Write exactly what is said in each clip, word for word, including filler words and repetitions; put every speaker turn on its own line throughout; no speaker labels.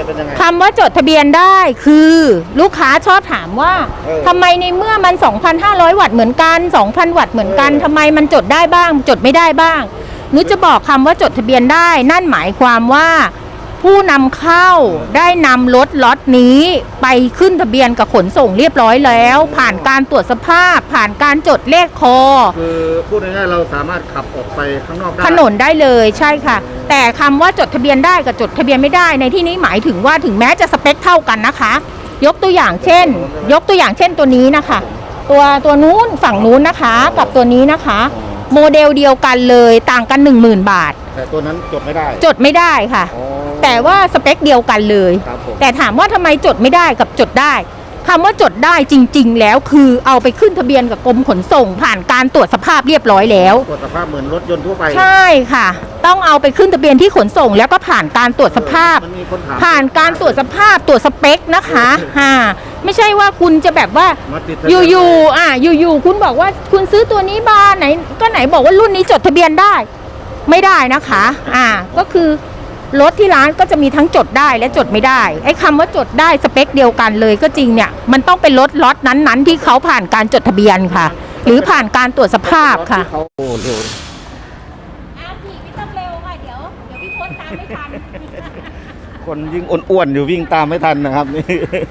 จะเป็นยังไง
คำว่าจดทะเบียนได้คือลูกค้าชอบถามว่าทำไมในเมื่อมัน สองพันห้าร้อย วัตต์เหมือนกัน สองพัน วัตต์เหมือนกันทำไมมันจดได้บ้างจดไม่ได้บ้างนุชจะบอกคำว่าจดทะเบียนได้นั่นหมายความว่าผู้นำเข้าได้นำรถล็อตนี้ไปขึ้นทะเบียนกับขนส่งเรียบร้อยแล้วผ่านการตรวจสภาพผ่านการจดเลขคอ
คือพูดง่ายๆเราสามารถขับออกไปข้างนอกได้
ถนนได้เลยใช่ค่ะแต่คำว่าจดทะเบียนได้กับจดทะเบียนไม่ได้ในที่นี้หมายถึงว่าถึงแม้จะสเปคเท่ากันนะคะยกตัวอย่างเช่นยกตัวอย่างเช่นตัวนี้นะคะตัวตัวนู้นฝั่งนู้นนะคะกับตัวนี้นะคะโมเดลเดียวกันเลยต่างกัน หนึ่งหมื่น บาท
แต่ตัวนั้นจดไม่ได้
จดไม่ได้ค่ะแต่ว่าสเปคเดียวกันเลยแต่ถามว่าทำไมจดไม่ได้กับจดได้คำว่าจดได้จริงๆแล้วคือเอาไปขึ้นทะเบียนกับกรมขนส่งผ่านการตรวจสภาพเรียบร้อยแล้ว
ตรวจสภาพเหมือนรถยนต์ทั่วไป
ใช่ค่ะต้องเอาไปขึ้นทะเบียนที่ขนส่งแล้วก็ผ่านการตรวจสภาพผ่านการตรวจสภาพตรวจสเปคนะคะฮ่าไม่ใช่ว่าคุณจะแบบว่าอยู่ๆอ่ะอยู่ๆคุณบอกว่าคุณซื้อตัวนี้บ้านไหนก็ไหนบอกว่ารุ่นนี้จดทะเบียนได้ไม่ได้นะคะอ่าก็คือรถที่ร้านก็จะมีทั้งจดได้และจดไม่ได้ไอ้คำว่าจดได้สเปคเดียวกันเลยก็จริงเนี่ยมันต้องเป็นรถล็อตนั้นๆที่เขาผ่านการจดทะเบียนค่ะหรือผ่านการตรวจสภาพค่ะ
เขาโอ้เร็ว
อ้าวพี่ไม่ต้องเร็วค่ะเดี๋ยวเดี๋ยวพี่พ้นตามไม่ทัน
คนยิ่งอ้วนๆอยู่วิ่งตามไม่ทันนะครับนี่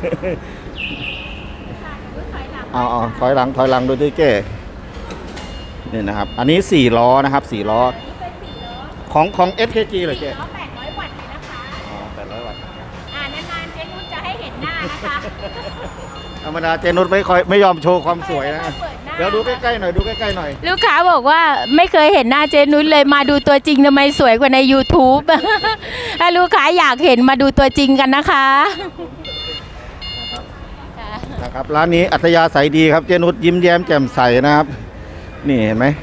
เอาเอาถอยหลังถอยหลังโดยที่เก้นี่นะครับอันนี้สี่ล้อนะครับสี่ล้อของของ เอส เค จี เหรอเจ๊
แปดร้อยวัตต์เลยนะคะ
อ๋อแปดร้อยวัตต์
อ่านานๆเจนุชจะให้เห็นหน้านะคะ
ธรรมดาเจนุชไม่ค่อยไม่ยอมโชว์ความสวยนะเดี๋ยวดูใกล้ๆหน่อยดูใกล้ๆหน่อย
ลูกค้าบอกว่าไม่เคยเห็นหน้าเจนุชเลยมาดูตัวจริงทำไมสวยกว่าใน ยูทูบ ถ้าลูกค้าอยากเห็นมาดูตัวจริงกันนะคะ
นะครับร้านนี้อัธยาศัยดีครับเจนุชยิ้มแย้มแจ่มใสนะครับนี่เห็นไหม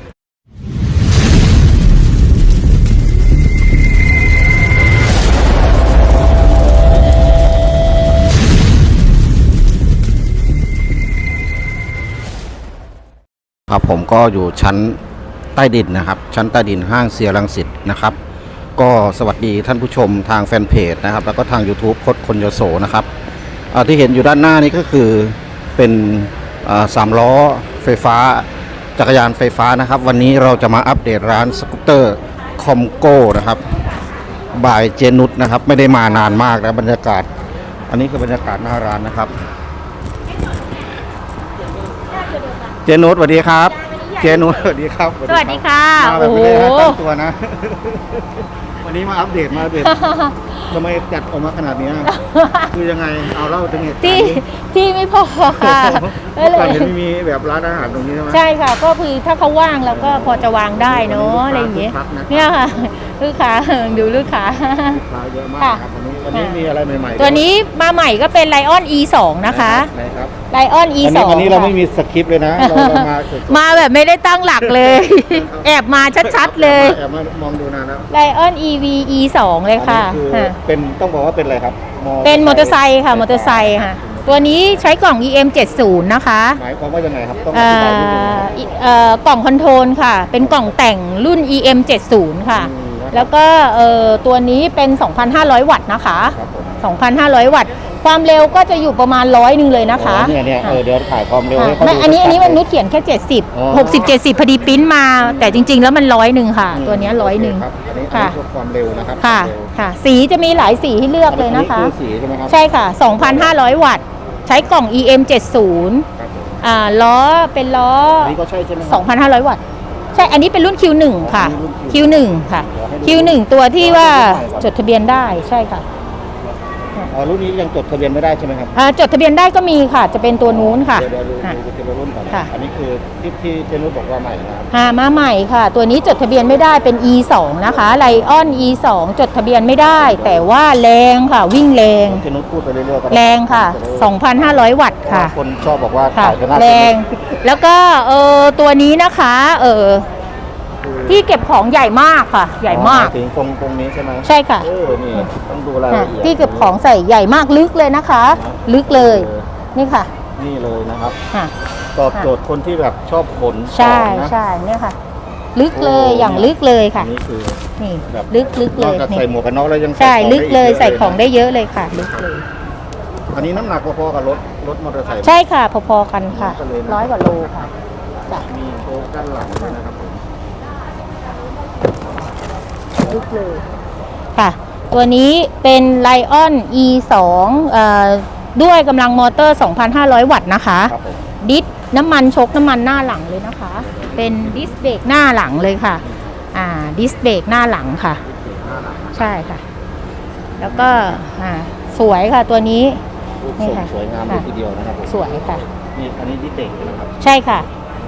ครับผมก็อยู่ชั้นใต้ดินนะครับชั้นใต้ดินห้างเซียรังสิตนะครับก็สวัสดีท่านผู้ชมทางแฟนเพจนะครับแล้วก็ทาง ยูทูบ คดคนยโสนะครับที่เห็นอยู่ด้านหน้านี้ก็คือเป็นสามล้อไฟฟ้าจักรยานไฟฟ้านะครับวันนี้เราจะมาอัปเดตร้านสกูตเตอร์คอมโก้นะครับบายเจนุชนะครับไม่ได้มานานมากนะบรรยากาศอันนี้คือบรรยากาศหน้าร้านนะครับเจนุชสวัสดีครับเจนุชสวัสดีครับ
สวัสดีค่ะ
มาแบบไม่ได้ตั้งตัวนะวันนี้มาอัปเดตมาอัปเดตทำไมจัดออกมาขนาดนี้คือยังไงเอาเล่าถึงเหตุการณ์
ที่ที่ไม่พอค่ะ
เมื่อก่อนเห็นมีแบบร้านอาหารตรงนี้ใช่ไหม
ใช่ค่ะก็คือถ้าเขาว่างเราก็พอจะวางได้เนาะอะไรอย่างเงี้ยเนี่ยค่ะลูกค้าดูลูกค้า
เยอะมากครับวันนี้วันนี้มีอะไรใหม่ๆ
ตัวนี้มาใหม่ก็เป็น ไลออน อี สอง นะคะ ไลออน อี สอง
วันนี้เราไม่มีสคริปต์เลยนะเรามา
มาแบบไม่ได้ตั้งหลักเลยแอบมาชัดๆเลย
แอบมามองดูนานแล้ว
ไลออน อี วี อี สอง เลยค่ะ
เป็นต้องบอกว่าเป็นอะไรครับ
เป็นมอเตอร์ไซค์ค่ะมอเตอร์ไซค์ค่ะตัวนี้ใช้กล่อง อี เอ็ม เจ็ดสิบ นะคะ
หมายความว่ายังไงครับต้องอธิบายนิดนึง
กล่องคอนโทรลค่ะเป็นกล่องแต่งรุ่น อี เอ็ม เจ็ดสิบ ค่ะแล้วก็ตัวนี้เป็น สองพันห้าร้อย วัตต์นะคะ สองพันห้าร้อย วัตต์ความเร็วก็จะอยู่ประมาณร้อยหนึ่งเลยนะคะ
เนี่ยเนี่ยเดี๋ยวถ่ายความเร็วให้เขา
ดูอันนี้อันนี้มันนุชเขียนแค่เจ็ดสิบ หกสิบ เจ็ดสิบพอดีปิ้นมาแต่จริงๆแล้วมันร้อยหนึ่งค่ะตัวนี้ร้อยหนึ่ง
ค่ะความเร็วนะครับ
ค่ะค่ะสีจะมีหลายสีให้เลือกเลยนะคะ
สีใช่ไหมครับ
ใช่ค่ะ สองพันห้าร้อย วัตต์ใช้กล่อง อี เอ็ม เจ็ดสิบ อ่าล้อเป็นล้อ
นี่ก็ใช่ใช่ไหม
สองพันห้าร้อย วัตต์ใช่อันนี้เป็นรุ่น คิว หนึ่ง ค่ะ คิว หนึ่ง ค่ะ คิว หนึ่ง ตัวที่ว่าจดทะเบียนได้ใช่ค่ะ
อ๋อรุ่นนี้ยังจดทะเบียนไม่ได้ใช่ไหมครับ
อ่าจดทะเบียนได้ก็มีค่ะจะเป็นตัวนู้นค่ะ
เดี๋ยวดูดูตัวรุ่นก่อนอันนี้คือที่ที่เจนุชบอกว่าใหม่นะครับ
อ่ามาใหม่ค่ะตัวนี้จดทะเบียนไม่ได้เป็น อี สอง นะคะไลออน อี สอง จดทะเบียนไม่ได้แต่ว่าแรงค่ะวิ่งแรง
เจนุชพูดไปเรื่อยๆ
แรงค่ะ สองพันห้าร้อย วัตต์ค่ะ
คนชอบบอกว่าขาย
แรงแล้วก็เออตัวนี้นะคะเออที่เก็บของใหญ่มากค่ะใหญ่มาก
ถึงตรงตรงนี้ใช่ไหม
ใช่ค่ะ
เออนี่ต้องดูรายละเอียด
ที่เก็บของใส่ใหญ่มากลึกเลยนะคะลึกเลยนี่ค่ะ
นี่เลยนะครับตอบโจทย์คนที่แบบชอบขน
ใช่ใช่เนี่ยค่ะลึกเลยอย่างลึกเลยค่ะ
นี่คือ
นี่
แบบ
ลึกลึก
น
เล
อก
ย
จาก
นี่
ใส่หมวกกันน็อกแล้วยัง
ใช่
ของ
ลึกเลย
ได้
ใส่
ก
ของได้เยอะเลยค่ะลึกเลย
อันนี้น้ำหนักพอๆกับรถรถมอเตอร์ไซค์
ใช่ค่ะพอๆกันค่ะร้อยกว่าโลค่ะจ้ะ
มีโชว์ด้านหลังด้วยนะครับผม
ลึกเลยค่ะ ตัวนี้เป็น Lion อี สองเอ่อด้วยกำลังมอเตอร์ สองพันห้าร้อย วัตต์นะคะ
ครับผม
ดิสน้ำมันชกน้ำมันหน้าหลังเลยนะคะ เป็นดิสเบรกหน้าหลังเลยค่ะอ่าดิสเบรกหน้าหลังค่ะ ใช่ค่ะ แล้วก็อ่าสวยค่ะตัวนี้
รูป
นี่
ทรง
ค่ะ
สวยงามเลยทีเดียวนะครับผม
สวยค่ะ
นี่อันนี้ดิเตกนะครับ
ใช่ค่ะ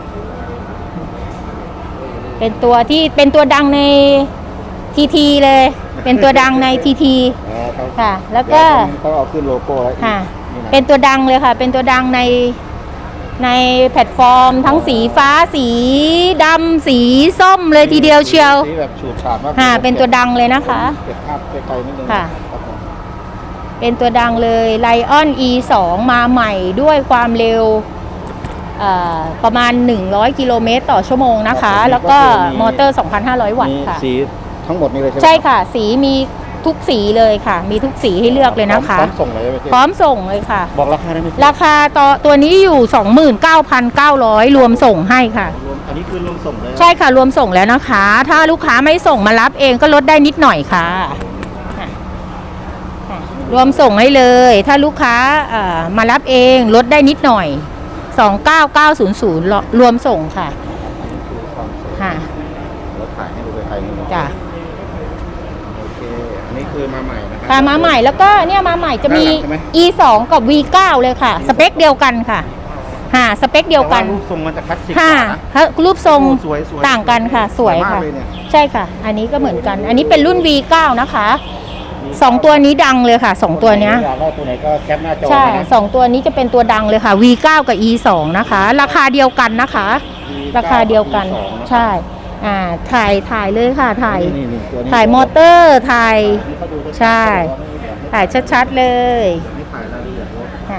เป็นตัวที่เป็นตัวดังในทีทีเลย เป็นตัวดังในทีที
อ๋อเขา
ค่ะ แล้วก็
เขาเอาขึ้นโลโก้แล้วอีก
ค่ะ
นี่นะ
เป็นตัวดังเลยค่ะ เป็นตัวดังในในแพลตฟอร์ม ทั้งสีฟ้าสีดำสีส้มเลยทีเดียวเชียว
สีแบบฉูดฉาดมาก
ค่ะ เป็นตัวดังเลยนะคะ
เก็บภาพไกลๆนิดนึง
ค่ะ
รับผม
เป็นตัวดังเลย Lion อี สอง มาใหม่ด้วยความเร็วเอ่อประมาณ หนึ่งร้อย กิโลเมตรต่อชั่วโมงนะคะ แล้วก็มอเตอร์ สองพันห้าร้อย วัต
มี
ต์ค่ะ
สีทั้งหมดนี้เลยใช่ไหม
ใช่ค่ะ สีมีทุกสีเลยค่ะ มีทุกสีให้เลือกเลยนะคะ
พร้อมส่งเลยไหมพี่
พร้อมส่งเลยค่ะ
บอกราคาได้ไหมพี่
ราคาต่อตัวนี้อยู่ สองหมื่นเก้าพันเก้าร้อย รวมส่งให้ค่ะ
รวมอันนี้คือรวมส่งเลย
ใช่ค่ะ รวมส่งแล้วนะคะ ถ้าลูกค้าไม่ส่งมารับเองก็ลดได้นิดหน่อยค่ะค่ะค่ะรวมส่งให้เลย ถ้าลูกค้าเอ่อมารับเองลดได้นิดหน่อย สองเก้าเก้าศูนย์ศูนย์ รวมส่งค่ะ
คือความสวย
ค่ะ
รถถ่ายให้ดูไกลๆนิดนึง
จ้ะ
โอเคอันนี้คือมาใหม่นะครั
ค่ะมาใหม่แล้วก็เนี่ยมาใหม่จะมี
ด้านหลังใช่ไหม
อี สอง กับ วี เก้า เลยค่ะ สเปคเดียวกันค่ะค่ะสเปคเดียวกัน
แต่ารูปทรงมันจะคลาสสิกก
ค่ะ
ว่านะ
ถ้ารูปทรง
โอ้สวยสวย
ต่างกันค่ะ สวย
มาก
ค่ะ
เลยเนี่ย
ใช่ค่ะ อันนี้ก็เหมือนกัน อันนี้เป็นรุ่น วี เก้า นะคะสองตัวนี้ดังเลยค่ะสองตัวเนี้ย
อยากได้ตัวไหนก็แคปหน้าจอ
ใช่
มานะ
สองตัวนี้จะเป็นตัวดังเลยค่ะ วี เก้า กับ อี สอง นะคะ ราคาเดียวกันนะคะ ราคาเดียวกัน ใช่ อ่า ถ่าย ถ่ายเลยค่ะ ถ่าย
นี่ๆๆตัวนี้
ถ่ายมอเตอร์ ถ่าย
นี่เขาดูชัดๆ
ใช่ ถ่ายชัดๆเลย
นี่ถ่ายรายละเอียดรถ
ค่ะ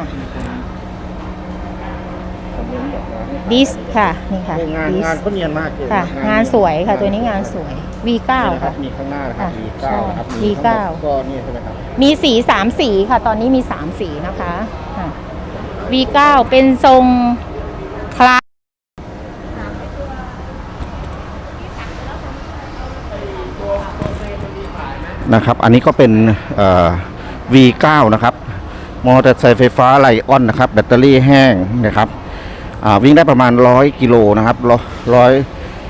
คอมเมนต์บอกมา
ดิสค่ะ นี่ค่ะ
งาน
ดิส
งานก็เนียนมากเลย
ค่ะ งานสวยค่ะ ตัวนี้งานสวย วี เก้า
นี่นะครั
ค่ะ
บมีข้างหน้านะครับ
ค่ะ
วี เก้า นะครับ
ใช่
มีทั้งหมด
วี เก้า
ก็นี่ใช่ไหมครับ
มีสีสามสีค่ะ ตอนนี้มีสามสีนะคะค่ะ วี เก้า เป็นทรงคลาส
นะครับ อันนี้ก็เป็นเอ่อ วี เก้า นะครับ มอเตอร์ไซค์ไฟฟ้าไลออนนะครับ แบตเตอรี่แห้งนะครับอ่าวิ่งได้ประมาณร้อยกิโลนะครับร้อย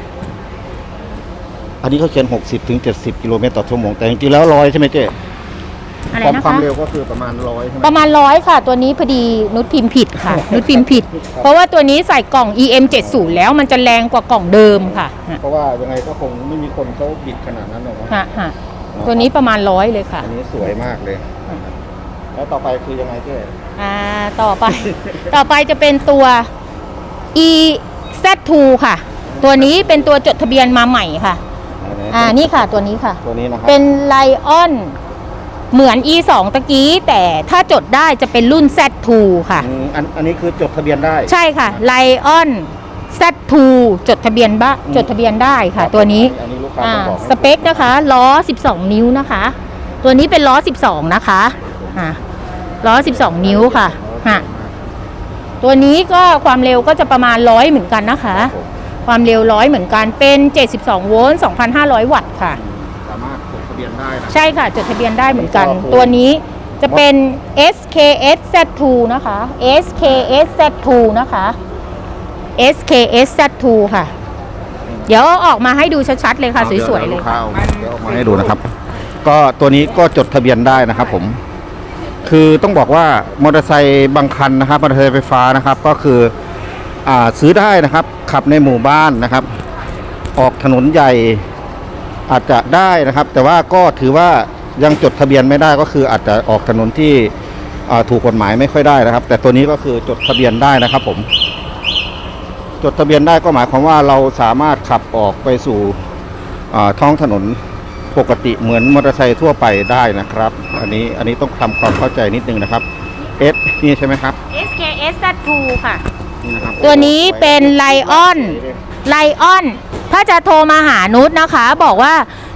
อันนี้เขาเขียนหกสิบถึงเจ็ดสิบกิโลเมตรต่อชั่วโมงแต่จริงๆแล้วร้อยใช่ไหมเจ๊
อะไร
ความ
นะ
ความ
คะ
เร็วก็คือประมาณร้อยใช่ไหม
ประมาณร้อยค่ะ ตัวนี้พอดีนุชพิมพ์ผิดค่ะ นุชพิมพ์ผิด เพราะว่าตัวนี้ใส่กล่อง อี เอ็ม เจ็ดสิบ แล้วมันจะแรงกว่ากล่องเดิมค่ะ
เพราะว่ายังไงก็คงไม่มีคนเขาบิดขนาดนั้นหรอกนะ
ฮะฮะตัวนี้ประมาณร้อยเลยค่ะ
อันนี้สวยมากเลย แล้วต่อไปคือยังไงเจ๊
อ่า ต่อไป ต่อไปจะเป็นตัว อี แซด ทู ค่ะ ตัวนี้เป็นตัวจดทะเบียนมาใหม่ค่ะ อ่า นี่ค่ะ ตัวนี้ค่ะ
ตัวนี้นะครับ
เป็น Lion เหมือน อี สอง ตะกี้ แต่ถ้าจดได้จะเป็นรุ่น แซด ทู ค่ะ
อืมอันอันนี้คือจดทะเบียนได้
ใช่ค่ะ Lion แซด ทู จดทะเบียนบ้า
อืม
จดทะเบียนได้ค่ะ ตัวนี้
อันนี้ลูกค้า
อ่า
ต้องบอก
สเปคนะคะ ล้อ สิบสอง นิ้วนะคะ ตัวนี้เป็นล้อ สิบสอง นะคะอ่าล้อ สิบสอง นิ้วค่ะฮะตัวนี้ก็ความเร็วก็จะประมาณร้อยเหมือนกันนะคะ ความเร็วร้อยเหมือนกันเป็น เจ็ดสิบสอง โวลต์ สองพันห้าร้อย วัตต์ค่ะ
สามารถจดทะเบียนได้นะ
ใช่ค่ะ จดทะเบียนได้เหมือนกัน
ก็คือ
ตัวนี้จะเป็น เอส เค เอส แซด ทู นะคะ เอส เค เอส แซด ทู นะคะ เอส เค เอส แซด ทู ค่ะ เดี๋ยวเอาออกมาให้ดูชัดๆเลยค่ะ สวยๆเลยค่ะ
เดี๋ยวออกมาให้ดูนะครับ ก็ตัวนี้ก็จดทะเบียนได้นะครับผม คือต้องบอกว่ามอเตอร์ไซค์บางคันนะครับมอเตอร์ไซค์ไฟฟ้านะครับ ก็คืออ่าซื้อได้นะครับ ขับในหมู่บ้านนะครับ ออกถนนใหญ่อาจจะได้นะครับ แต่ว่าก็ถือว่ายังจดทะเบียนไม่ได้ก็คืออาจจะออกถนนที่อ่าถูกกฎหมายไม่ค่อยได้นะครับ แต่ตัวนี้ก็คือจดทะเบียนได้นะครับผม จดทะเบียนได้ก็หมายความว่าเราสามารถขับออกไปสู่อ่าท้องถนนปกติเหมือนมอเตอร์ไซค์ทั่วไปได้นะครับ อันนี้อันนี้ต้องทำความเข้าใจนิดนึงนะครับ S นี่ใช่ไหมครับ
เอส เค เอส แซด ทู ค่ะ
นี่นะครับ
ตัวนี้เป็น Lion Lion ถ้าจะโทรมาหานุชนะคะ บอกว่า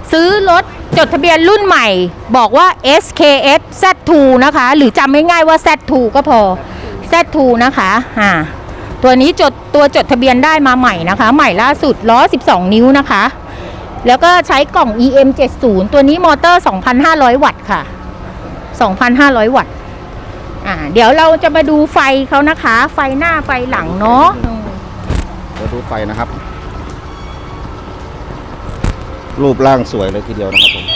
ซื้อรถจดทะเบียนรุ่นใหม่ บอกว่า เอส เค เอส แซด ทู นะคะ หรือจำง่ายๆว่า แซด ทู ก็พอ แซด ทู นะคะอ่าตัวนี้จดตัวจดทะเบียนได้มาใหม่นะคะ ใหม่ล่าสุดล้อสิบสองนิ้วนะคะ แล้วก็ใช้กล่อง อี เอ็ม เจ็ดสิบ ตัวนี้มอเตอร์ สองพันห้าร้อย วัตต์ค่ะ สองพันห้าร้อย วัตต์อ่าเดี๋ยวเราจะมาดูไฟเขานะคะ ไฟหน้าไฟหลังเนาะ
เดี๋ยวดูไฟนะครับ รูปร่างสวยเลยทีเดียวนะครับผม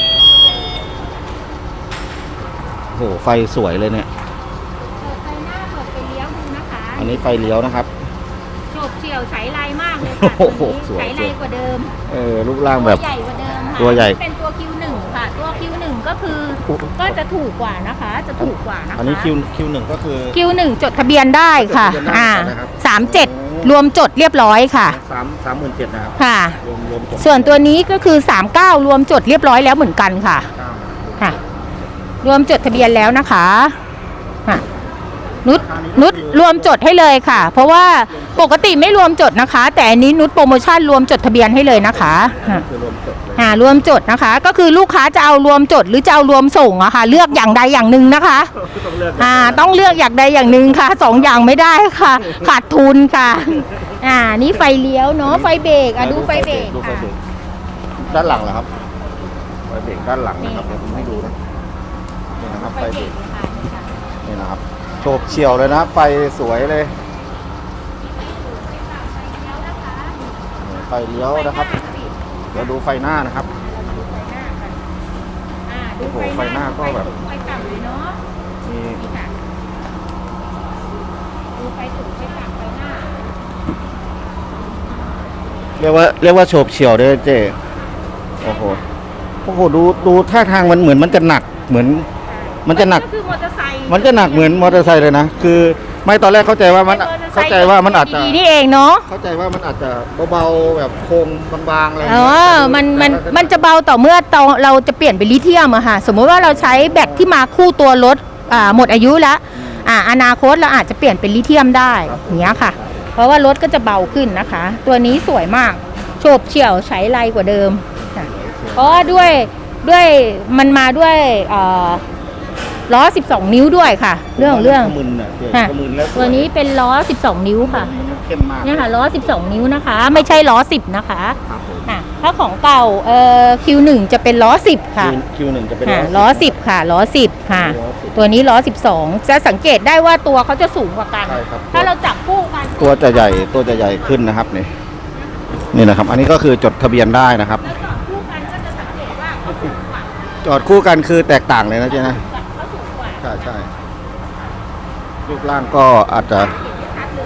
โอ้โหไฟสวยเลยเนี่ย
ไฟหน้าเปิดไฟเลี้ยวดูนะคะ
อันนี้ไฟเลี้ยวนะครับ
โฉบเฉี่ยวใช้ไรมากเลยค่ะ
โอ้โหสวย
ใช้ไรกว่าเดิม
เออรูปร่างแบบ
ตัวใหญ่กว่าเดิมค่ะ
ตัวใหญ่
เป็นตัว คิว หนึ่ง ค่ะ ตัว คิว หนึ่ง ก็คือก็จะถูกกว่านะคะ จะถูกกว่านะคะ
อันนี้คิวคิวหนึ่งก็คือ
คิว หนึ่ง จดทะเบียนได้ค่ะ
จดทะเบียนได้
อ่า
นะครับ
สามเจ็ดรวมจดเรียบร้อยค่ะ
สามสามหมื่นเจ็ดนะครับ
ค่ะ
รวมรวมจบ
ส่วนตัวนี้ก็คือสามเก้ารวมจดเรียบร้อยแล้วเหมือนกันค่ะ
เก้า
ค่ะ รวมจดทะเบียนแล้วนะคะค่ะนุชนุชรวมจดให้เลยค่ะ เพราะว่าปกติไม่รวมจดนะคะ แต่อันนี้นุชโปรโมชั่นรวมจดทะเบียนให้เลยนะคะค่ะ
คือรวมจบเลย
อ่ารวมจดนะคะ ก็คือลูกค้าจะเอารวมจดหรือจะเอารวมส่งอะค่ะ เลือกอย่างใดอย่างหนึ่งนะคะ
ต้องเลือก
อ่าต้องเลือกอย่างใดอย่างหนึ่งค่ะสองอย่างไม่ได้ค่ะ ขาดทุนค่ะ อ่านี่ไฟเลี้ยวเนาะไฟเบรกอ่ะดูไฟเบรก
ดูไฟ
ค่ะ
เบรกด้านหลังเหรอครับไฟเบรกด้านหลังนะครับเดี๋ยวผมให้ดูนะนี่นะครับ
ไฟ
ไฟ
เบ
เบ
ร
ร
ก
ก
ค่ะนี่ค่ะ
นี่นะครับโฉบเฉี่ยวเลยนะไฟสวยเลยไฟเลี้ยวนะครับเดี๋ยวดูไฟหน้านะครับ
อ่าดู
โอ้โหไฟหน้าก็แบบ
ไฟต่ำเลยเนาะ
มี
นี่ค่ะดูไฟสูงไฟต่ำไฟหน้า
เรียกว่าเรียกว่าโฉบเฉี่ยวด้วยเจ๊โอ้โหโอ้โหดูดูท่าทางมันเหมือนมันจะหนักเหมือน มันจะหนัก
ก็คือมอเตอร์ไซค์
มันจะหนักเหมือนมอเตอร์ไซค์เลยนะคือไม่ตอนแรกเข้าใจว่ามันเข้าใจว่ามันอาจจะ
ดีๆนี่เองเนาะ
เข้าใจว่ามันอาจจะเบาๆแบบโครงบางๆอะไรอย่าง
เอ
เงี้ย
อมันมันมันจะเบาต่อเมื่อตอนเราจะเปลี่ยนเป็นลิเธียมอะค่ะ สมมติว่าเราใช้แบตที่มาคู่ตัวรถอ่าหมดอายุแล้วอ่าอนาคตเราอาจจะเปลี่ยนเป็นลิเธียมได้อย่างเงี้ยค่ะ เพราะว่ารถก็จะเบาขึ้นนะคะ ตัวนี้สวยมากโฉบเฉี่ยวใช้ไรกว่าเดิมค่ะเพราะว่าด้วยด้วยมันมาด้วยเอ่อล้อสิบสองนิ้วด้วยค่ะ เรื่องเรื่อง
ขมึนอ่ะเจ๊
ค่ะ
ขมึนแล้วสย
ตัวนี้เป็นล้อสิบสองนิ้วค่ะ
เข้มมาก
เนี่ยค่ะล้อสิบสองนิ้วนะคะ ไม่ใช่ล้อสิบนะคะ
ครับผม
ค่ะถ้าของเก่าเอ่อ คิว หนึ่ง จะเป็นล้อสิบค่ะ
คิวหนึ่งจะเป็น
ค่ะล้อสิบค่ะล้อสิบค่ะ
ล้อสิบ
ตัวนี้ล้อสิบสองจะสังเกตได้ว่าตัวเขาจะสูงกว่ากัน
ใช่ครับ
ถ้าเราจับคู่กัน
ตัวจะใหญ่ตัวจะใหญ่ขึ้นนะครับนี่นี่นะครับ อันนี้ก็คือจดทะเบียนได้นะครับ
แล้วจับคู่กันก็จะสังเกตว่าเขาสูงกว่า
จอดคู่กันคือแตกต่างเลยนะเจ๊นะ
เขาสูงกว่า
ใช่ใช่รูปร่างก็อาจจะ
ชัดเลย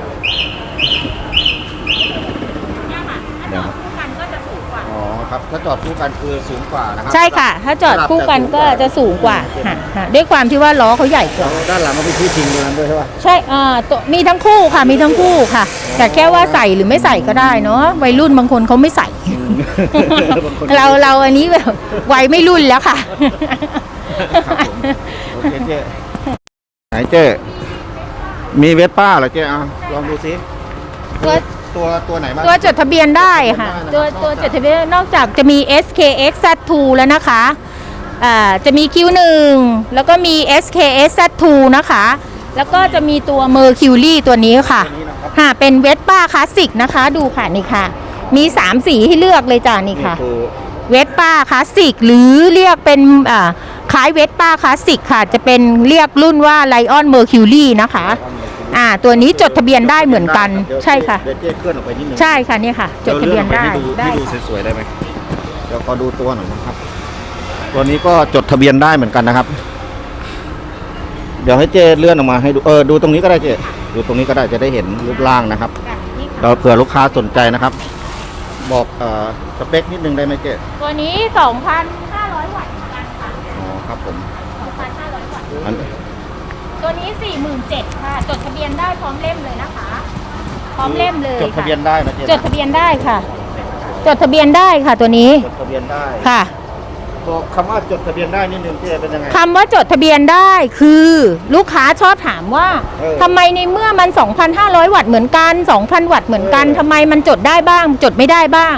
เนี่ยค่ะถ้าจอดคู่กันก็จะสูงกว่า
อ๋อครับถ้าจอดคู่กันคือสูงกว่านะครั
ใช่ค่ะ ถ้าจอดคู่กันก็จะสูงกว่าค่ะค่ะด้วยความที่ว่าล้อเขาใหญ่กว่า
แล้วด้านหลังก็เป็นที่ทิ้งตรงนั้นด้วยใช่ป่ะ
ใช่อ่าตัวมีทั้งคู่ค่ะ มีทั้งคู่ค่ะ แต่แค่ว่าใส่หรือไม่ใส่ก็ได้เนาะ วัยรุ่นบางคนเขาไม่ใส่
บางคน
เราเราอันนี้แบบวัยไม่รุ่นแล้วค่ะ
ครับผมโอเคเจ๊ไหนเจ๊มีเวสป้าเหรอเจ๊อ่ะลองดูซิ
ตัว
ตัวตัวไหนบ้าง
ตัวจดทะเบียนได้ค่ะ
จ
ตัว
ดทะเบียนได้นะครับ
ตัวจดทะเบียนนอกจากจะมี เอส เค เอ็กซ์ แซด ทู แล้วนะคะอ่าจะมี คิว หนึ่ง แล้วก็มี เอส เค เอ็กซ์ แซด ทู นะคะ แล้วก็จะมีตัว Mercury ตัวนี้ค่ะ
ตัวนี้นะครับ
ค่ะ เป็นเวสป้าคลาสสิกนะคะ ดูค่ะนี่ค่ะ มีสามสีให้เลือกเลยจ้านี่ค่ะ
คือ
เวสป้าคลาสสิกหรือเรียกเป็นอ่าคล้ายเวสป้าคลาสสิกค่ะ จะเป็นเรียกรุ่นว่าไลออนเมอร์คิวรีนะคะอ่าตัวนี้จดทะเบียนได้เหมือนกัน
เดี๋ยว
ใช่ค่ะ
เดี๋ยวเจ๊เคลื่อนออกไปนิดนึง
ใช่ค่ะเนี่ยค่ะ จดทะเบียนได้
ดี๋วลื่ออกป
ได้
ให้ดู
ค่ะ
ให้ดูสวยๆได้ไหมเดี๋ยวขอดูตัวหน่อยนะครับ ตัวนี้ก็จดทะเบียนได้เหมือนกันนะครับ เดี๋ยวให้เจ๊เลื่อนออกมาให้ดูเออดูตรงนี้ก็ได้เจ๊ดูตรงนี้ก็ได้จะได้เห็นรูปร่างนะครับ
ค่ะนี่ค่ะ
เราเผื่อลูกค้าสนใจนะครับ บอกเอ่อสเปคนิดนึงได้ไหมเจ๊
ตัวนี้ สองพันห้าร้อย วัตต์เหมือนกันค่ะ
อ๋อครับผม
สองพันห้าร้อย วัตต์
อัน
ตัวนี้ สี่หมื่นเจ็ดพัน ค่ะ จดทะเบียนได้พร้อมเล่มเลยนะคะ พร้อมเล่มเลย
จดทะ
ค่ะ
เบียนได้นะเจ๊
จดทะเบียนได้ค่ะ จดทะเบียนได้ค่ะตัวนี้
จดทะเบียนได้
ค่ะ
บอกคำว่าจดทะเบียนได้นิดนึงเจ๊เป็นยังไง
คำว่าจดทะเบียนได้คือลูกค้าชอบถามว่า
เออ
ทำไมในเมื่อมัน สองพันห้าร้อย วัตต์เหมือนกัน สองพัน วัตต์เหมือนกัน
เออ
ทำไมมันจดได้บ้าง จดไม่ได้บ้าง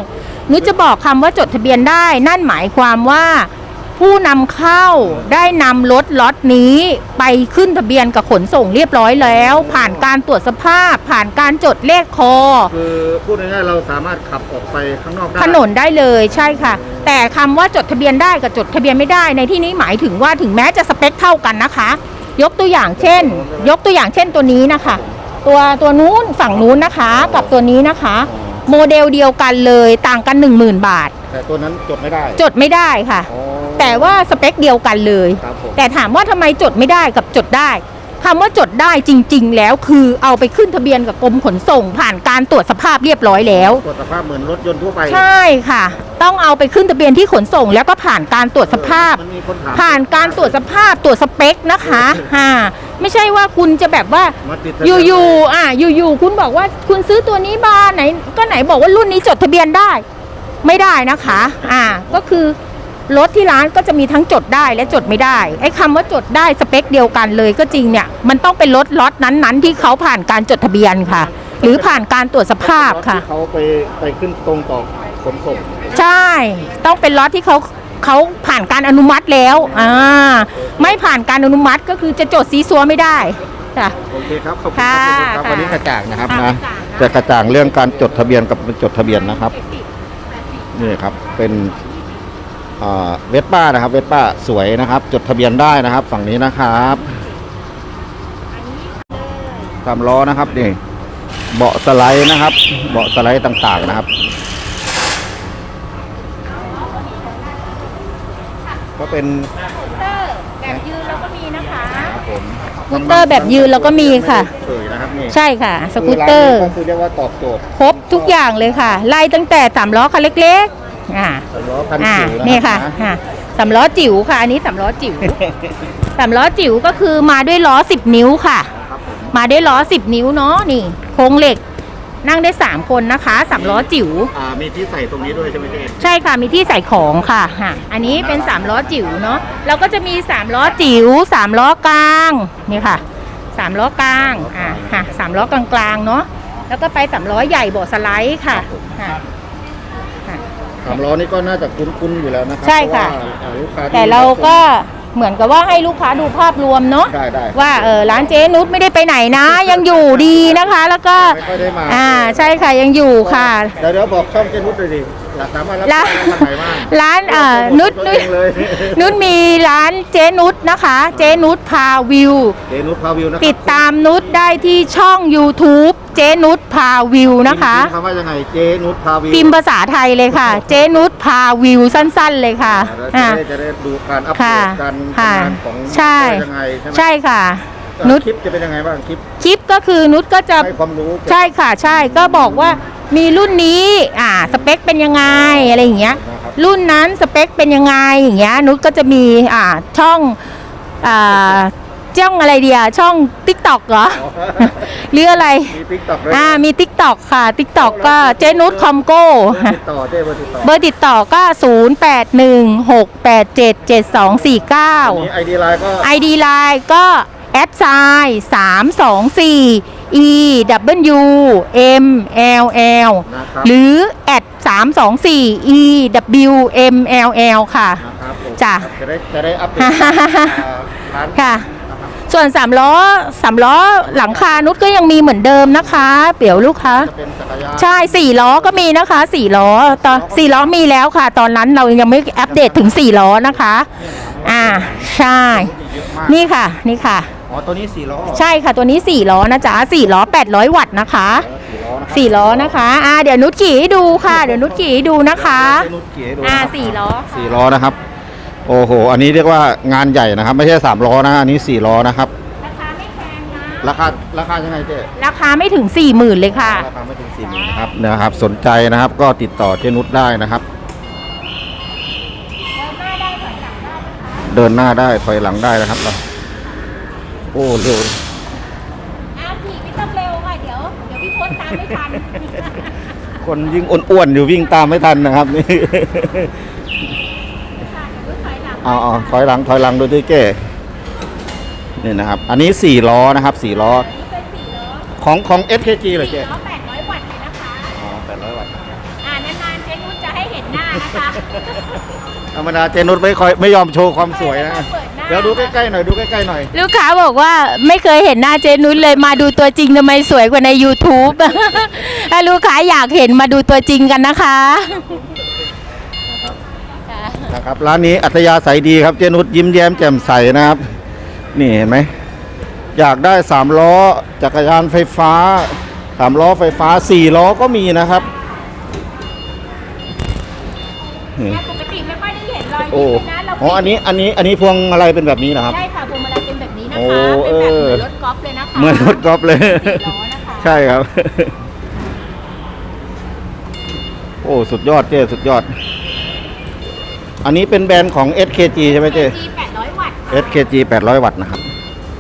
นุชจะบอกคำว่าจดทะเบียนได้นั่นหมายความว่า ผู้นำเข้าได้นำรถล็อตนี้ไปขึ้นทะเบียนกับขนส่งเรียบร้อยแล้ว ผ่านการตรวจสภาพ ผ่านการจดเลขคอ
คือพูดง่ายๆเราสามารถขับออกไปข้างนอกได้
ถนนได้เลยใช่ค่ะ แต่คำว่าจดทะเบียนได้กับจดทะเบียนไม่ได้ในที่นี้หมายถึงว่าถึงแม้จะสเปคเท่ากันนะคะ ยกตัวอย่างเช่น ยกตัวอย่างเช่นตัวนี้นะคะ ตัวตัวนู้นฝั่งนู้นนะคะ กับตัวนี้นะคะ โมเดลเดียวกันเลยต่างกัน หนึ่งหมื่น บาท
แต่ตัวนั้นจดไม่ได้
จดไม่ได้ค่ะ
อ๋อ
แต่ว่าสเปคเดียวกันเลย
ครับผม
แต่ถามว่าทำไมจดไม่ได้กับจดได้คำว่าจดได้จริง ๆ แล้วคือเอาไปขึ้นทะเบียนกับกรมขนส่ง ผ่านการตรวจสภาพเรียบร้อยแล้ว
ตรวจสภาพเหมือนรถยนต์ทั่วไป
ใช่ค่ะ ต้องเอาไปขึ้นทะเบียนที่ขนส่ง แล้วก็ผ่านการตรวจสภาพ
มันมีคนถาม
ผ่านการตรวจสภาพตรวจสเปคนะคะอ่าไม่ใช่ว่าคุณจะแบบว่า
มาติดทะเบีน
อยู่ๆอ่าอยู่ๆคุณบอกว่าคุณซื้อตัวนี้มาไหน ก็ไหนบอกว่ารุ่นนี้จดทะเบียนได้ ไม่ได้นะคะอ่าก็คือรถที่ร้านก็จะมีทั้งจดได้และจดไม่ได้ไอ้คำว่าจดได้สเปคเดียวกันเลยก็จริงเนี่ยมันต้องเป็นรถล็อตนั้นๆ ที่เขาผ่านการจดทะเบียนค่ะ หรือผ่านการตรวจสภาพค่ะ
ที่เขาไปไปขึ้นตรงต่อขนส่ง
ใช่ ต้องเป็นล็อตที่เขาเขาผ่านการอนุมัติแล้วอ่าไม่ผ่านการอนุมัติก็คือจะจดซีซัวไม่ได้ค่ะ
โอเคครับขอบคุณ
ค่ะ
ครับ
ค่ะ
วันนี้กระจ่างนะครับ
ค่ะ
นะ
กระจ่างนะ
จะกระจ่างเรื่องการจดทะเบียนกับไม่จดทะเบียนนะครับนี่ครับเป็นเวสป้านะครับเวสป้าสวยนะครับ จดทะเบียนได้นะครับ ฝั่งนี้นะครับสามล้อนะครับนี่เบาะสไลด์นะครับ เบาะสไลด์ต่างๆนะครับ ก็เป็น
แบบยืนเราก็มีนะคะ
ครับผม
สกูตเตอร์แบบยืนเราก็มีค่ะ
เฉยนะครับนี่
ใช่ค่ะสกูตเตอร์
ก็คือเรียกว่าตอบโจทย์
ครบทุกอย่างเลยค่ะ ไล่ตั้งแต่สามล้อคันเล็กๆอ่า
สามล้อพัน
อ่า
จิ๋ว
นี่
นะค
ค่ะ
รับ
อ่าสามล้อจิ๋วค่ะ อันนี้สามล้อจิ๋วสามล้อจิ๋วก็คือมาด้วยล้อสิบนิ้วค่ะ
ครับผม
มาด้วยล้อสิบนิ้วเนาะนี่โครงเหล็ก นั่งได้สามคนนะคะสามล้อจิ๋ว
อ่ามีที่ใส่ตรงนี้ด้วยใช่ไหมเจ๊
ใช่ค่ะมีที่ใส่ของค่ะฮะอันนี้เป็นสามล้อจิ๋วเนาะเราก็จะมีสามล้อจิ๋วสามล้อกลางนี่ค่ะสามล้อกลางอ่าค่ะสามล้อกลางๆเนาะแล้วก็ไปสามล้อใหญ่เบาะสไลด์ค่ะค่ะ
สามล้อนี่ก็น่าจะคุ้นๆอยู่แล้วนะครั
ใช่ค่ะ
เพราว่าอ่าลูกค้าที่
แต่เราก็เหมือนกับว่าให้ลูกค้าดูภาพรวมเนาะ
ได้ได้
ว่าเออร้านเจ๊นุชไม่ได้ไปไหนนะ ยังอยู่ดีนะคะ แล้วก็
ไม่ค่อยได้มา
อ่าใช่ค่ะยังอยู่ค่ะ
เดี๋ยวเดี๋ยวบอกช่องเจนุชเลยดิอยากสามารถรับ
ร้าน
ได้ทางไหนบ้าง
ร้านเอ่อนุช
ตัว
นุช
เองเลย
นุชมีร้านเจ๊นุชนะคะ เจ๊นุชพาวิว
เจนุชพาวิวนะครับ
ติดตามนุชได้ที่ช่อง YouTube เจ๊นุชพาวิวนะคะ
พิมพ์คำว่ายังไงเจนุชพาวิว
พิมพ์ภาษาไทยเลยค่ะ เจ๊นุชพาวิวสั้นๆเลยค่ะ
อ่า
อ่า
แล้วจะได้จะได้ดูการอัปเด
ค่ะ
ตการ
ค่ะ
ทำงานของ
ใช่
ว่ายังไงใช่ไหม
ใช่ค่ะ
เอ่อ
นุช
คลิปจะเป็นยังไงบ้างคลิป
คลิปก็คือนุชก็จะ
ให้ความรู้
ใช่ค่ะใช่ก็บอกว่ามีรุ่นนี้อ่าสเปคเป็นยังไงอะไรอย่างเงี้ย
นะครับ
รุ่นนั้นสเปคเป็นยังไงอย่างเงี้ยนุชก็จะมีอ่าช่องอ่าช่องอะไรเดียช่อง TikTok เหรอ หรืออะไร
มีติ๊กต็อกด้วย
อ่ามี TikTok ค่ะ TikTok ก็เจนุชคอมโก้
ติดต่อเจ้เบอร์ติดต่อ
เบอร์ติดต่อก็ ศูนย์ แปด หนึ่ง หก แปด เจ็ด เจ็ด สอง สี่ เก้า
อันนี้ไอดีไลน์ก็
ไอ ดี Line ก็แอดไซน์สามสองสี่ E W M L L
นะครับ
หรือแอดสามสองสี่ E W M L L ค่ะ
นะครับผม
จ้ะ
จะได้จะได้อัปเดตอ่าร้าน
ค่ะ
นะครับ
ส่วนสามล้อสามล้อหลังคานุชก็ยังมีเหมือนเดิมนะคะเดี๋ยวลูกค้า
จะเป็นจักรยาน
ใช่สี่ล้อก็มีนะคะสี่ล้อตอนสี่ล้อมีแล้วค่ะ ตอนนั้นเรายังไม่อัปเดตถึงสี่ล้อนะคะ อ่าใช่
เยอะมาก
นี่ค่ะนี่ค่ะ
อ๋อตัวนี้สี่ล้อ
ใช่ค่ะตัวนี้สี่ล้อนะจ๊ะสี่ล้อแปดร้อยวัตต์นะคะ
เออสี่ล้อนะครับ
สี่ล้อนะคะอ่าเดี๋ยวนุชขี่ให้ดูค่ะเดี๋ยวนุชขี่ให้ดูนะคะ
เจนุชเก๋ดู
อ่า
นะครับ
สี่ล้อ
สี่ล้อนะครับ โอ้โห อันนี้เรียกว่างานใหญ่นะครับ ไม่ใช่สามล้อนะ อันนี้สี่ล้อนะครับ
ราคาไม่แพงนะ
ราคาราคายังไงเจ๊
ราคาไม่ถึงสี่หมื่นเลยค่ะ
ราคาไม่ถึงสี่หมื่นนะครับนะครับ สนใจนะครับ ก็ติดต่อเจนุชได้นะครับ เดินหน้าได้ถอยหลังได้นะครับเราโอ้เร็ว
อ่าขี่ไม่ต้องเร็วค่ะเดี๋ยวเดี๋ยวพี่พศตามไม่ทัน
คนยิ่งอ้วนๆอยู่วิ่งตามไม่ทันนะครับนี่ เอาเอาถอยหลังถอยหลังโดยที่เก้นี่นะครับ อันนี้สี่ล้อนะครับสี่ล้อ
เป็นสี่ล้อ
ของของ เอส เค จี เหรอเจ๊
ล้อแปดร้อยวัตต์เลยนะคะ
อ๋อแปดร้อยวัตต์
อ่านานๆเจนุชจะให้นะคะ
ธรรมดาเจนุชไม่ค่อยไม่ยอมโชว์ความสวยนะเดี๋ยวดูใกล้ๆหน่อยดูใกล้ๆหน่อย
ลูกค้าบอกว่าไม่เคยเห็นหน้าเจนุชเลยมาดูตัวจริงทำไมสวยกว่าใน YouTube ถ้าลูกค้าอยากเห็นมาดูตัวจริงกันนะคะ
นะครับร้านนี้อัธยาศัยดีครับเจนุชยิ้มแย้มแจ่มใสนะครับ นี่เห็นไหมอยากได้สามล้อจักรยานไฟฟ้าสามล้อไฟฟ้าสี่ล้อก็มีนะครับนี่
ปกติไม่ค่อยได้เห็นรอย
โอ้
ยิ้มเลยนะเรา
อ๋ออันนี้อันนี้อันนี้พวงอะไรเป็นแบบนี้นะครับ
ใช่ค่ะพวงมาลัยเป็นแบบนี้นะ
โอ้
คะเป็นแบบ
เออ
เหมือนรถกอล์ฟเลยนะคะ
เหมือนรถกอล์ฟเลย
สี่ล้อนะคะ
ใช่ครับ โอ้สุดยอดเจ้สุดยอด อันนี้เป็นแบรนด์ของ เอส เค จี ใช่ไหมเจ้
จีแปดร้อยวัตต์
เอส เค จี แปดร้อยวัตต์นะครับ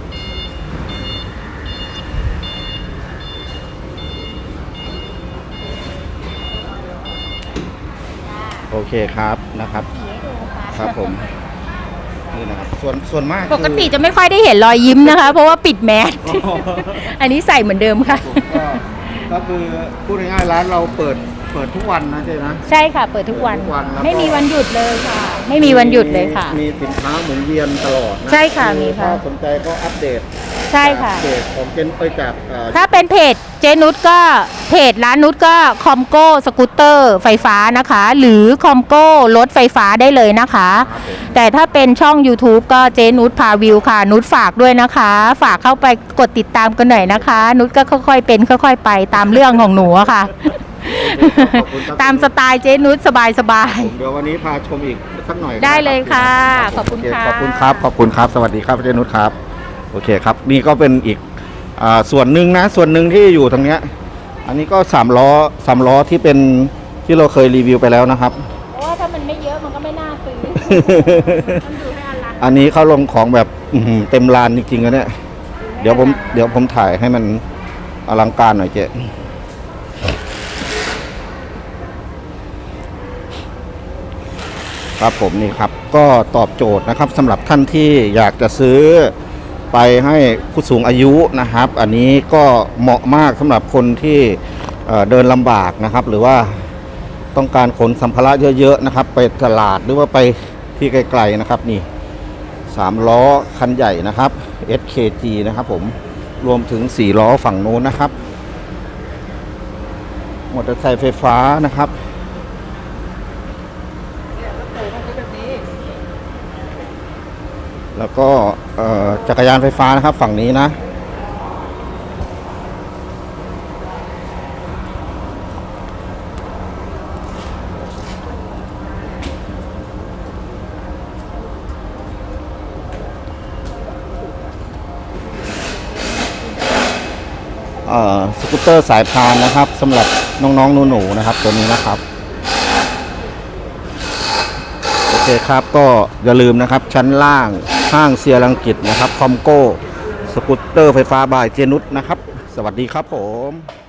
โอเคครับนะครับ ครับผมนี่นะครับส่วนส่วนมากคือ
ปกติจะไม่ค่อยได้เห็นรอยยิ้มนะคะ เพราะว่าปิดแมส
อ๋อ
อันนี้ใส่เหมือนเดิมค่ะ
ก็ก็คือพูดง่ายๆร้านเราเปิดเปิดทุกวันนะเจ๊นะ
ใช่ค่ะ เปิดทุกวัน
เปิดทุกวันแล้วก็
ไม่มีวันหยุดเลยค่ะ ไม่มีวันหยุดเลยค่ะ
มีสินค้าหมุนเวียนตลอดนะ
ใช่ค่ะมีค่ะ
ถ้าสนใจก็อัปเดต
ใช่ค่ะ
จากเพจของเจนไปจากเอ่อ
ถ้าเป็นเพจเจนุชก็เพจร้านนุชก็คอมโก้สกูตเตอร์ไฟฟ้านะคะ หรือคอมโก้รถไฟฟ้าได้เลยนะคะ
ครับผม
แต่ถ้าเป็นช่อง YouTube ก็เจนุชพาวิวค่ะ นุชฝากด้วยนะคะ ฝากเข้าไปกดติดตามกันหน่อยนะคะ นุชก็ค่อยๆเป็นค่อยๆไปตามเรื่องของหนูอะค่ะ
ขอบคุณครับ
ตามสไตล์เจนุชสบาย
ผมเดี๋ยววันนี้พาชมอีกสักหน่อย
ได้เลยค่ะ
รับ
ขอบคุณ
โเ
ค่ะ
ขอบคุณครับขอบคุณครับ สวัสดีครับเจนุชครับโอเคครับ นี่ก็เป็นอีกอ่าส่วนหนึ่งนะส่วนหนึ่งที่อยู่ตรงเนี้ยอันนี้ก็สามล้อสามล้อที่เป็นที่เราเคยรีวิวไปแล้วนะครับ
เพราะว่าถ้ามันไม่เยอะมันก็ไม่น่าซื้อ มันดูให้อลัง
อันนี้เขาลงของแบบอื้อหือเต็มลานจริงๆนะเนี่ยเดี๋ยวผมเดี๋ยวผมถ่ายให้มันอลังการหน่อยเจ๊ครับผมนี่ครับก็ตอบโจทย์นะครับสำหรับท่านที่อยากจะซื้อไปให้ผู้สูงอายุนะครับ อันนี้ก็เหมาะมากสำหรับคนที่เอ่อเดินลำบากนะครับ หรือว่าต้องการขนสัมภาระเยอะๆนะครับ ไปตลาดหรือว่าไปที่ไกลๆนะครับนี่สามล้อคันใหญ่นะครับ เอส เค จี นะครับผมรวมถึงสี่ล้อฝั่งโน้นนะครับมอเตอร์ไซค์ไฟฟ้านะครับแล้วก็เอ่อจักรยานไฟฟ้านะครับฝั่งนี้นะเอ่อสกูตเตอร์สายพานนะครับสำหรับน้องๆหนูๆนะครับตัวนี้นะครับโอเคครับก็อย่าลืมนะครับชั้นล่างห้างเซียรังกิตนะครับคอมโก้สกูตเตอร์ไฟฟ้าบายเจนุชนะครับสวัสดีครับผม